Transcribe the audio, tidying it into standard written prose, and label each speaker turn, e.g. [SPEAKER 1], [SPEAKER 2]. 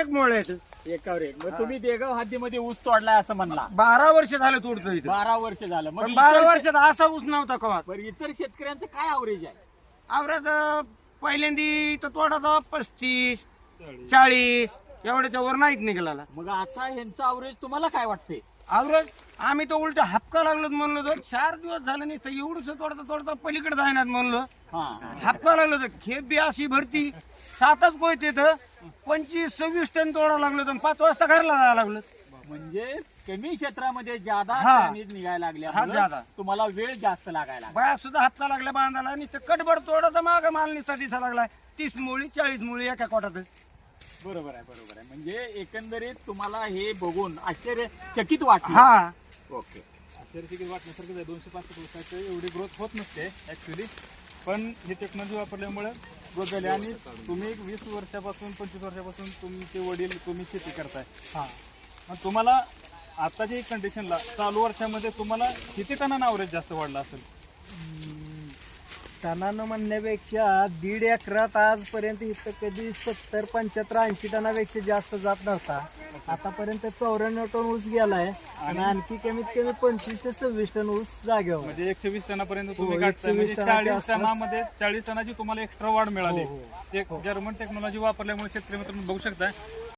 [SPEAKER 1] एक मोळ आहेत.
[SPEAKER 2] एकावर एक. मग तुम्ही देगाव हद्दीमध्ये ऊस तोडलाय असं म्हणला.
[SPEAKER 1] 12 वर्ष झालं तोडतो इथं.
[SPEAKER 2] 12 वर्ष झालं. मग
[SPEAKER 1] पण 12
[SPEAKER 2] इतर
[SPEAKER 1] वर्षात असा ऊस नव्हता कवा.
[SPEAKER 2] बरं, इतर शेतकऱ्यांचं काय ॲव्हरेज आहे?
[SPEAKER 1] आवरात पहिल्यांदी तर तोडाचा 35-40 एवढ्याच्या वर नाहीत निघाला.
[SPEAKER 2] मग आता ह्यांचं ॲव्हरेज तुम्हाला काय वाटते?
[SPEAKER 1] आवरत आम्ही तर उलट हापका लागलो म्हणलो तर 4 दिवस झालं नाही तर एवढंच तोडता पलीकडे जायनात म्हणलो.
[SPEAKER 2] हा.
[SPEAKER 1] हापका लागलो तर खेप बी अशी भरती 7च कोयत येतं 25-26 टन तोडा लागलो तर 5 वाजता घरला जायला लागलो.
[SPEAKER 2] म्हणजे कमी क्षेत्रामध्ये ज्यादा
[SPEAKER 1] हा.
[SPEAKER 2] टनेज निघायला
[SPEAKER 1] हा,
[SPEAKER 2] लागल्या
[SPEAKER 1] ज्यादा.
[SPEAKER 2] तुम्हाला वेळ जास्त लागायला लागला.
[SPEAKER 1] बाया सुद्धा हापका लागल्या बांधायला आणि ते कटभर तोडा तर माग माल निसता दिसा लागलाय 30 मुळी 40 मुळी एका कोटात.
[SPEAKER 2] बरोबर आहे, बरोबर आहे. म्हणजे एकंदरीत तुम्हाला हे बघून आश्चर्यचकित वाटलं.
[SPEAKER 1] हा
[SPEAKER 2] ओके.
[SPEAKER 3] आश्चर्यचकित वाटण्यासारखं आहे. 265 दिवसाचं एवढी ग्रोथ होत नसते ऍक्च्युली, पण ही टेक्नॉलॉजी वापरल्यामुळे ग्रोथ झाली. आणि तुम्ही 20 वर्षापासून 25 वर्षापासून तुमचे वडील तुम्ही शेती करताय.
[SPEAKER 2] हा.
[SPEAKER 3] मग तुम्हाला आताच्या कंडिशनला चालू वर्षामध्ये तुम्हाला किती टनानं ॲव्हरेज जास्त वाढला असेल?
[SPEAKER 4] टनानं म्हणण्यापेक्षा 1.5 एकरात आजपर्यंत इथं कधी 70, 75, 80 टनापेक्षा जास्त जात नव्हता. आतापर्यंत 94 टन ऊस गेलाय आणि आणखी कमीत कमी 25 ते 26 टन ऊस जागेवर.
[SPEAKER 3] म्हणजे 120 टनापर्यंत तुम्ही
[SPEAKER 4] हो,
[SPEAKER 3] काढताय.
[SPEAKER 4] 120
[SPEAKER 3] म्हणजे
[SPEAKER 4] टनाच्या
[SPEAKER 3] 40 टनामध्ये 40 टनाची तुम्हाला एक्स्ट्रा वाढ मिळाली.
[SPEAKER 4] हो,
[SPEAKER 3] ते जर्मन टेक्नॉलॉजी वापरल्यामुळे शेतकरी मित्रांनो बघू शकता